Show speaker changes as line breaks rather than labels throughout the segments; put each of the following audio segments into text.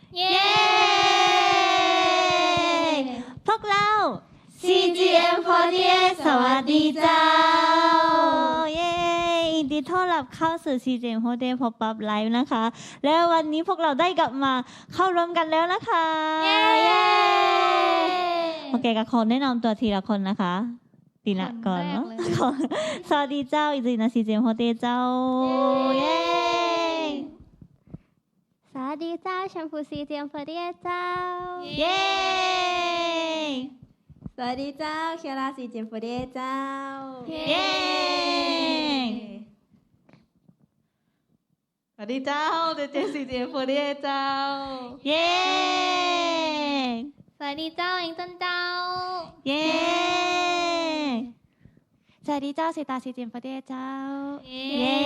เย้
พวกเรา CGM48 สวัสดีเจ้าเย้ยินดีต้อนรับเข้าสู่ CGM48 Pop-up Live นะคะแล้ววันนี้พวกเราได้กลับมาเข้ารวมกันแล้วนะคะเย้โอเคก็ขอแนะนำตัวทีละคนนะคะตีนะก่อนเนาะสวัสดีเจ้าอิจินะ CGM48 เจ้าเย้
สวัสดีเจ้าแชมพู CGM48 เจ้า
เย้
สวัสดีเจ้าเคียร่าCGM48เจ้า
เย้
สวัสดีเจ้าเจเจCGM48เจ้า
เย้
สวัสดีเจ้าเองต้นเจ้า
เย้
สวัสดีเจ้าสิตาCGM48เจ้า
เย้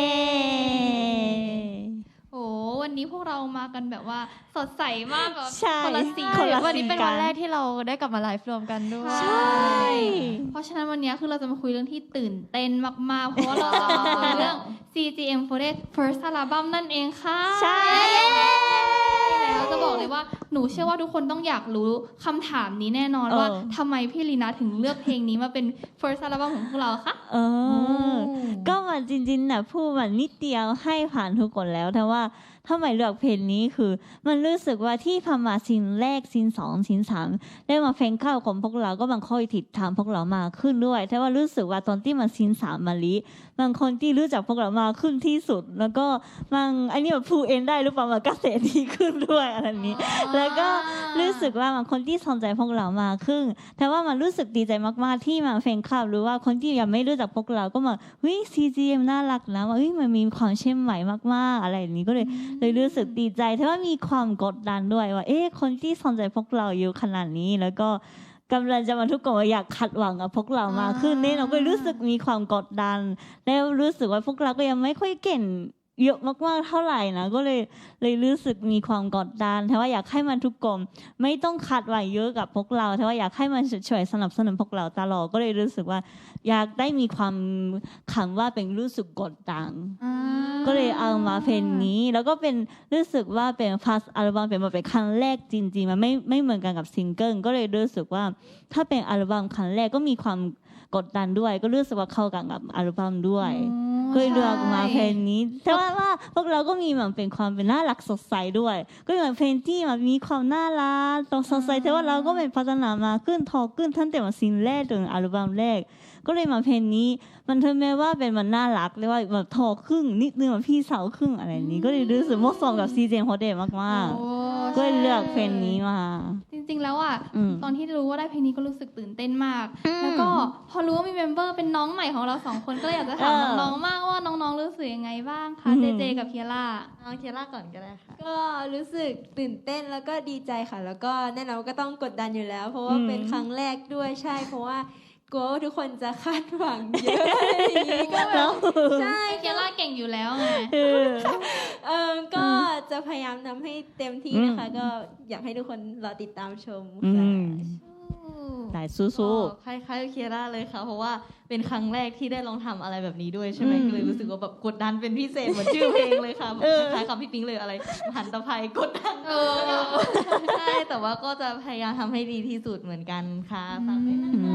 โอ้วันนี้พวกเรามากันแบบว่าสดใสมากแบบ
ใช่
คนละสี
วันนี้เป็นวันแรกที่เราได้กลับมาไลฟ์รวมกันด้วย
ใช่
เพราะฉะนั้นวันนี้คือเราจะมาคุยเรื่องที่ตื่นเต้นมากๆเพราะว่าเราจะมาคุยเรื่อง CGM48 First Album นั่นเองค่ะ
ใช่
แล้วจะบอกเลยว่าหนูเชื่อว่าทุกคนต้องอยากรู้คำถามนี้แน่นอนว่าทำไมพี่ลีน่าถึงเลือกเพลงนี้มาเป็น First Album ของพวกเราคะ
ก็มันจริงๆนะพูดมันนิดเดียวให้ผ่านทุกคนแล้วแต่ว่าทำไมเลือกเพลงนี้คือมันรู้สึกว่าที่พมาซีนแรกซีน2ซีน3ได้มาเพลงเข้าของพวกเราก็มันค่อยติดตามพวกเรามาขึ้นด้วยแต่ว่ารู้สึกว่าตอนที่มาซีน3มาลิบางคนที่รู้จักพวกเรามาขึ้นที่สุดแล้วก็บางอันนี้แบบพูดเองได้หรือเปล่ามันก็เสียดีขึ้นด้วยอะไรนี้แล้วก็รู้สึกว่าบางคนที่สนใจพวกเรามาขึ้นแต่ว่ามันรู้สึกดีใจมากๆที่มาเพลงเข้าหรือว่าคนที่ยังไม่รู้จักพวกเราก็มาเฮ้ย CGM น่ารักนะว่าเฮ้ยมันมีความเชื่อมใหม่มากๆอะไรอย่างนี้ก็เลยรู้สึกดีใจแต่ว่ามีความกดดันด้วยว่าคนที่สนใจพวกเราอยู่ขนาดนี้แล้วก็กำลังจะมาทุกคนอยากขัดหวังกับพวกเรามาขึ้นนี่เราก็รู้สึกมีความกดดันแล้วรู้สึกว่าพวกเราก็ยังไม่ค่อยเก่งเยอะมากๆเท่าไหร่นะก็เลยรู้สึกมีความกดดันแต่ว่าอยากให้มันทุกคนไม่ต้องคาดหวังเยอะกับพวกเราแต่ว่าอยากให้มันช่วยสนับสนุนพวกเราตลอดก็เลยรู้สึกว่าอยากได้มีความคำว่าเป็นรู้สึกกดดันก็เลยเอามาเพลงนี้แล้วก็เป็นรู้สึกว่าเป็นฟัสอัลบั้มเป็นครั้งแรกจริงๆมันไม่เหมือนกันกับซิงเกิลก็เลยรู้สึกว่าถ้าเป็นอัลบั้มครั้งแรกก็มีความกดดันด้วยก็รู้สึกว่าเข้ากันกับอัลบั้มด้วยก็เลือกมาเพลงนี้แต่ว่าพวกเราก็มีเหมือนเป็นความเป็นน่ารักสดใสด้วยก็เหมือนเพลงที่มันมีความน่ารักตรงสดใสแต่ว่าเราก็เป็นพัฒนามาขึ้นทอขึ้นตั้งแต่มาซิงแรกจนอัลบั้มแรกก็เลยมาเพลงนี้มันถึงแม้ว่าเป็นมันน่ารักเลยว่าแบบทอครึ่งนิดนึงแบบพี่สาวครึ่งอะไรนี้ก็เลยรู้สึกเหมาะสมกับCGM48มากๆก็เลยเลือกเพลงนี้มา
จริงๆแล้วอ่ะตอนที่รู้ว่าได้เพลงนี้ก็รู้สึกตื่นเต้นมากแล้วก็พอรู้ว่ามีเมมเบอร์เป็นน้องใหม่ของเรา2คนก็อยากจะถามน้องๆมากว่าน้องๆรู้สึกยังไงบ้างคะเจเจกับเคียร่า
น้องเคียร่าก่อนก็ได้ค่ะ
ก็รู้สึกตื่นเต้นแล้วก็ดีใจค่ะแล้วก็แน่นอนก็ต้องกดดันอยู่แล้วเพราะว่าเป็นครั้งแรกด้วยใช่เพราะว่ากลัวว่าทุกคนจะคาดหวังเยอะอะไรอย่างนี้ก็แบบใช่
เคียร่าเก่งอยู่แล้วไง
ก็จะพยายามทำให้เต็มที่นะคะก็อยากให้ทุกคนรอติดตามชม
ได้สู้
ๆคล้ายๆเคียร่าเลยค่ะเพราะว่าเป็นครั้งแรกที่ได้ลองทำอะไรแบบนี้ด้วยใช่ไหมก็เลยรู้สึกว่าแบบกดดันเป็นพิเศษเหมือนชื่อเพลงเลยค่ะคล้ายๆกับพี่ปิ๊งเลยอะไรหันตะไคร้กดดันใช่แต่ว่าก็จะพยายามทำให้ดีที่สุดเหมือนกันค่ะฝากด้วยนะคะ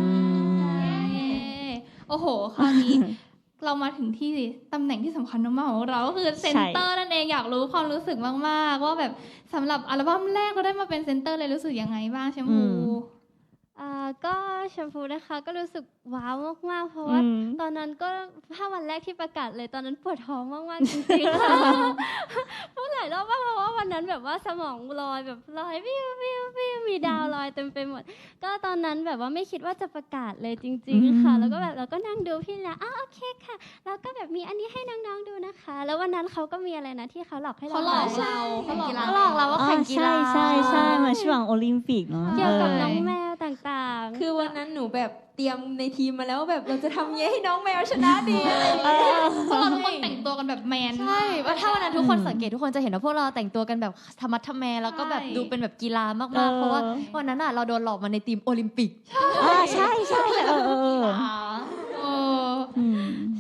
โอ้โหคราวนี้เรามาถึงที่ตำแหน่งที่สำคัญมากๆของเราก็คือเซนเตอร์นั่นเองอยากรู้ความรู้สึกมากๆว่าแบบสำหรับอัลบั้มแรกเราได้มาเป็นเซนเตอร์เลยรู้สึกยังไงบ้างแชมพู
ก็แชมพูนะคะก็รู้สึกว้าวมากๆเพราะว่าตอนนั้นก็ถ้าวันแรกที่ประกาศเลยตอนนั้นปวดท้องมากๆจริงๆค่ะพูดหลายรอบมากเพราะว่าวันนั้นแบบว่าสมองลอยแบบลอยวิววิววิวมีดาวลอยเต็มไปหมดก็ตอนนั้นแบบว่าไม่คิดว่าจะประกาศเลยจริงๆค่ะแล้วก็แบบเราก็นั่งดูพี่แล้วโอเคค่ะแล้วก็แบบมีอันนี้ให้น้องๆดูนะคะแล้ววันนั้นเขาก็มีอะไรนะที่เขาหลอกให้เรา
หลอก
เราว่าแข่งกีฬา
ใช่มาช่วงโอลิมปิกเนาะ
เกี่ยวกับน้องแมวต่าง
ๆคือวันนั้นหนูแบบเตรียมในทีมมาแล้วแบบเราจะทำยังไงให้น้องแมวชนะดีอะไรอย่างเงี้ย
พวกเราทุกคนแต่งตัวกันแบบแมน
ใช่ว่าถ้าวันนั้นทุกคนสังเกตทุกคนจะเห็นว่าพวกเราแต่งตัวกันแบบธรรมะทแมแล้วก็แบบดูเป็นแบบกีฬามากๆเพราะว่าวันนั้นเราโดนหลอกมาในทีมโอลิมปิก
ใช่ค่ะ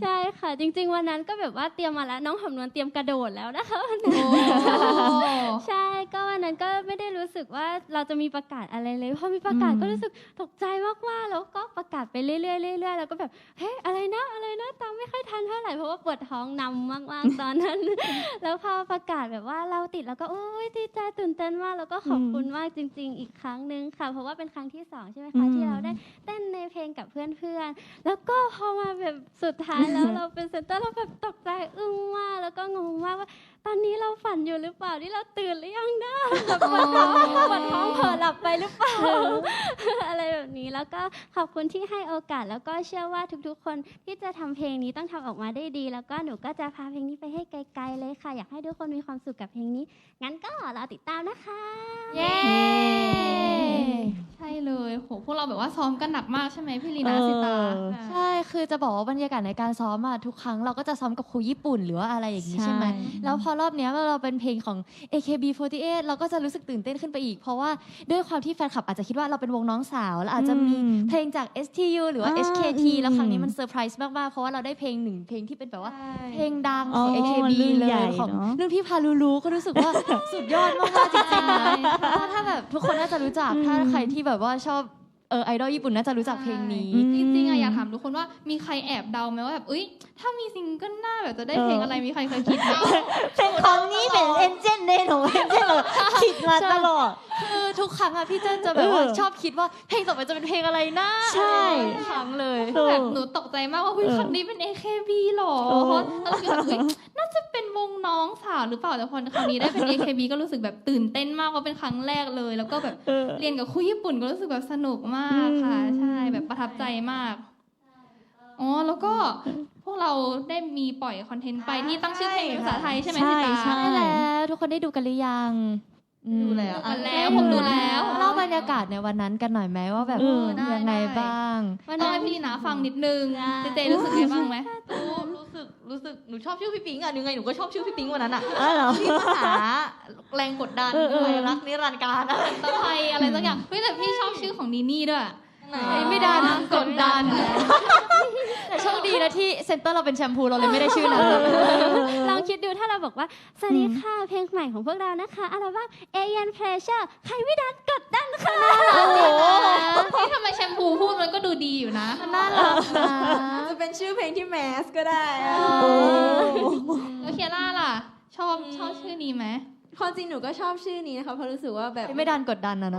ค่ะจริงๆวันนั้นก็แบบว่าเตรียมมาแล้วน้องหอมนวลเตรียมกระโดดแล้วนะคะวันนั้นใช่ก็วันนั้นก็ไม่ได้รู้สึกว่าเราจะมีประกาศอะไรเลยพอมีประกาศก็รู้สึกตกใจมากๆแล้วก็ประกาศไปเรื่อยๆเรื่อยๆแล้วก็แบบเฮ้ยอะไรนะตามไม่ค่อยทันเท่าไหร่เพราะว่าปวดท้องนำมากๆตอนนั้น แล้วพอประกาศแบบว่าเราติดแล้วก็โอ้ยดีใจตื่นเต้นมากแล้วก็ขอบคุณมากจริงๆอีกครั้งนึงค่ะเพราะว่าเป็นครั้งที่2ใช่ไหมคะที่เราได้เต้นในเพลงกับเพื่อนๆแล้วก็พอมาแบบสุดท้ายแล้วเราเป็นเซนเตอร์เราแบบตกใจอึ้งมากแล้วก็งงมากว่าตอนนี้เราฝันอยู่หรือเปล่าที่เราตื่นหรือยังนะแบบปวดท้องเผลอหลับไปหรือเปล่า อะไรแบบนี้แล้วก็ขอบคุณที่ให้โอกาสแล้วก็เชื่อว่าทุกๆคนที่จะทำเพลงนี้ต้องทำออกมาได้ดีแล้วก็หนูก็จะพาเพลงนี้ไปให้ไกลๆเลยค่ะอยากให้ทุกคนมีความสุขกับเพลงนี้งั้นก็รอติดตามนะคะ
เย้ใช่เลยโหพวกเราแบบว่าซ้อมกันหนักมากใช่ไหมพี่ลีนาสิตา
ใช่คือจะบอกว่าบรรยากาศในการซ้อมอะทุกครั้งเราก็จะซ้อมกับครูญี่ปุ่นหรือว่าอะไรอย่างนี้ใช่ไหมแล้วพอรอบเนี้ยเราเป็นเพลงของ AKB48 เราก็จะรู้สึกตื่นเต้นขึ้นไปอีกเพราะว่าด้วยความที่แฟนคลับอาจจะคิดว่าเราเป็นวงน้องสาวแล้วอาจจะมีเพลงจาก STU หรือว่า HKT แล้วครั้งนี้มันเซอร์ไพรส์มากๆเพราะว่าเราได้เพลงหนึ่งเพลงที่เป็นแบบว่าเพลงดังของ AKB เลยของรุ่นพี่พาลูลูก็รู้สึกว่า สุดยอดมากๆจริงๆนะถ้าแบบทุกคนน่าจะรู้จักถ้าใครที่แบบว่าชอบไอดอลญี่ปุ่นน่าจะรู้จักเพลงนี้
จริงๆอะอยากถามทุกคนว่ามีใครแอบเดาไหมว่าแบบถ้ามีซิงเกิลหน้าแบบจะได้เพลงอะไรมีใครเคยคิดไหม
เป็นของนี้เป็นเอ็นเจนเดย์หนูเอ็นเจนเลยคิดมาตลอด
คือทุกครั้งอะพี่เจนจะแบบว่าชอบคิดว่าเพลงต่อไปจะเป็นเพลงอะไรนะ
ใช่
ทุกครั้งเลย
แบบหนูตกใจมากว่าครั้งนี้เป็น AKB หรอเพราะเราคิดว่าน่าจะเป็นวงน้องสาวหรือเปล่าแต่พอครั้งนี้ได้เป็น AKB ก็รู้สึกแบบตื่นเต้นมากว่าเป็นครั้งแรกเลยแล้วก็แบบเรียนกับครูญี่ปุ่นก็รู้สึกแบบสนุกมากค่ะใช่แบบประทับใจมากแล้วก็พวกเราได้มีปล่อยคอนเทนต์ไปที่ตั้งชื่อเพลงเป็นภาษาไทยใช่ไหมสิตา
ใช่แล้วทุกคนได้ดูกันหรือยัง
ดูแล้ว
ผมดูแล้ว
เล่าบรรยากาศในวันนั้นกันหน่อยไหมว่าแบบยังไงบ้าง
ต้องให้พี่ลีนาฟังนิดนึงเจรู้สึกยังไงบ้างไหม
รู้สึกหนูชอบชื่อพี่ปิ๊งอ่ะยังไงหนูก็ชอบชื่อพี่ปิ๊งวันนั้นอ่ะ
ที่
ภาษาแรงกดดันรักนิรันดร์การ
ตะไคอะไรสักอย่างแต่พี่ชอบชื่อของนีนี่ด้วย
ไม่ดันกดดันแต่โชคดีนะที่เซ็นเตอร์เราเป็นแชมพูเราเลยไม่ได้ชื่อนั้น
ลองคิดดูถ้าเราบอกว่าสวัสดีค่ะเพลงใหม่ของพวกเรานะคะอัลบั้ม Alien Pleasure ใครไม่ดันกดดันค่ะ
นี่ทำไมแชมพูพูดมันก็ดูดีอยู่นะ
น่ารักนะ
จะเป็นชื่อเพลงที่แมสก็ได้
แล้วเคียร่าล่ะชอบชื่อนี้ไหม
ความจริงหนูก็ชอบชื่อนี้นะคะเพราะรู้สึกว่าแบบ
ไม่ดันกดดันนะ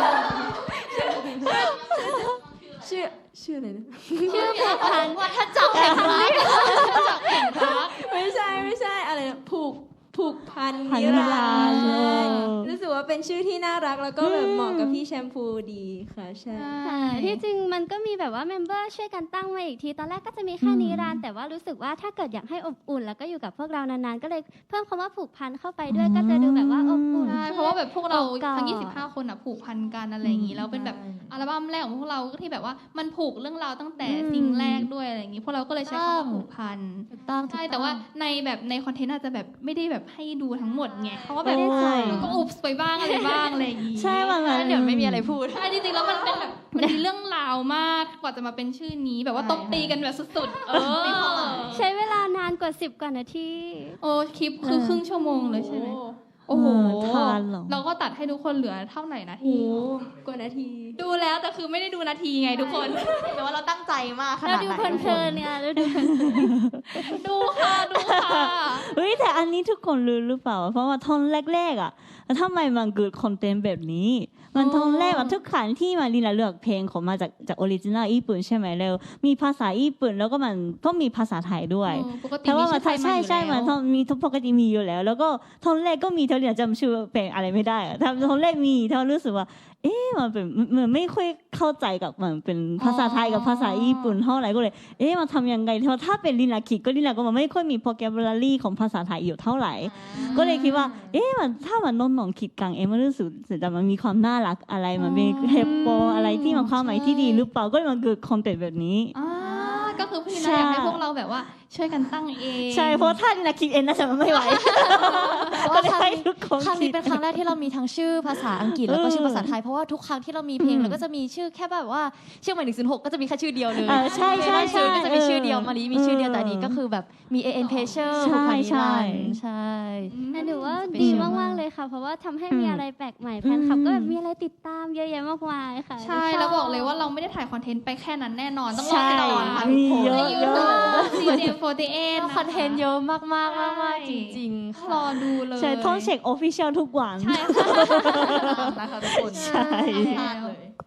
ชื่ออะไรนะ
ชื่อวัฏจักรแห่งรัก
ไม่ใช่อะไรนะผูกพันนิรันดร์รู้สึกว่าเป็นชื่อที่น่ารักแล้วก็แบบเหมาะกับพี่แชมพูดีค่ะใช่
ที่จริงมันก็มีแบบว่าเมมเบอร์ช่วยกันตั้งมาอีกทีตอนแรกก็จะมีแค่นิรันดร์แต่ว่ารู้สึกว่าถ้าเกิดอยากให้อบอุ่นแล้วก็อยู่กับพวกเรานานๆก็เลยเพิ่มคำว่าผูกพันเข้าไปด้วยก็จะดูแบบว่าอบอุ่น
เพราะว่าแบบพวกเราทั้ง25คนผูกพันกันอะไรอย่างนี้แล้วเป็นแบบอัลบั้มแรกของพวกเราที่แบบว่ามันผูกเรื่องราวตั้งแต่ซิงแรกด้วยอะไรอย่างนี้พวกเราก็เลยใช้คำว่าผูกพันใช่แต่ว่าในคอนเทนต์อาจจะแบบไม่ได้แบบให้ดูทั้งหมดไงเพราะว่าแบบก็อุบไปบ้างอะไรบ้างอะไรอย่างงี้
ใช่บาง
เดี๋ยวไม่มีอะไรพูด
ใช่จริงๆแล้วมันเป็นแบบมันมีเรื่องราวมากกว่าจะมาเป็นชื่อนี้แบบว่าตบตีกันแบบสุด
ๆใช้เวลานานกว่า10กว่านาที
คลิปคือครึ่งชั่วโมงเลยใช่ไหมโอ้โหเราก็ตัดให้ทุกคนเหลือเท่าไหร่นาที
กว่านาที
ดูแล้วแต่คือไม่ได้ดูนาทีไงทุกคน
แต่ว่าเราตั้งใจมากขนาดไหน
เราดูเพลินๆเนี่ยเรา
ดูค่ะ
เฮ้ยแต่อันนี้ทุกคนรู้หรือเปล่าเพราะว่าท่อนแรกๆอ่ะทำไมมันเกิดคอนเทนต์แบบนี้มันท่อนแรกทุกครั้งที่มาลีน่าเลือกเพลงของมาจากออริจินัลญี่ปุ่นใช่ไหมแล้วมีภาษาญี่ปุ่นแล้วก็มันก็มีภาษาไทยด้วยแต่ว่าใช่มันมีปกติมีอยู่แล้วก็ท่อนแรกก็มีเท่านี้จำชื่อเพลงอะไรไม่ได้ท่อนแรกมีเท่ารู้สึกว่ามันเป็นเหมือนไม่ค่อยเข้าใจกับมันเป็นภาษาไทยกับภาษาญี่ปุ่นเท่าไหร่ก็เลยมันทำยังไงถ้าเป็นลีน่าคิดก็ลีน่าก็มันไม่ค่อยมี vocabulary ของภาษาไทยอยู่เท่าไหร่ก็เลยคิดว่ามันถ้ามันน้องคิดกังมันรู้สึกแต่มันมีความน่ารักอะไรมันมีเฮปโปอะไรที่มันความหมายที่ดีหรือเปล่าก็เลยมันเกิดคอนเทนต์แบบนี้
ก็คือพี่ลีน่าอยากให้พวกเราแบบว่าช่วยกันตั้งเอง
ใช่เพราะถ้าลีน่าคิดเองน่าจะไม่ไหวก็เลยให้ทุก
ครั้งนี้เป็นครั้งแรกที่เรามีทั้งชื่อภาษาอังกฤษแล้วก็ชื่อภาษาไทยเพราะว่าทุกครั้งที่เรามีเพลงเราก็จะมีชื่อแค่แบบว่าชื่อใหม่106ก็จะมีแค่ชื่อเดียวเลย
ใช่ใช่ใช่
ก็จะมีชื่อเดียวมาลีมีชื่อเดียวแต่นี้ก็คือแบบมี AN Pressure
ใช่
ใช่ใช่
แต่ถือว่าดีมากๆเลยค่ะเพราะว่าทำให้มีอะไรแปลกใหม่แฟนคลับก็แบบมีอะไรติดตามเยอะแยะมากมายค่ะ
ใช่แล้วบอกเลยว่าเราไม่ได้ถ่ายคอนเทนต์ไปแค่นั้นแน่นอนต้องรอติดตามค่ะทุ
มี
กคน
เยอะ
ใน
เยอะ
YouTube CJ48
คอนเทนต์เยอะมากๆจริงๆค่ะ
รอดูเลย
ใช่ต้องเช็ค official ทุกวัน
ใช่ค่ะ
นะคะทุกคน
ใช่
พลาดเลย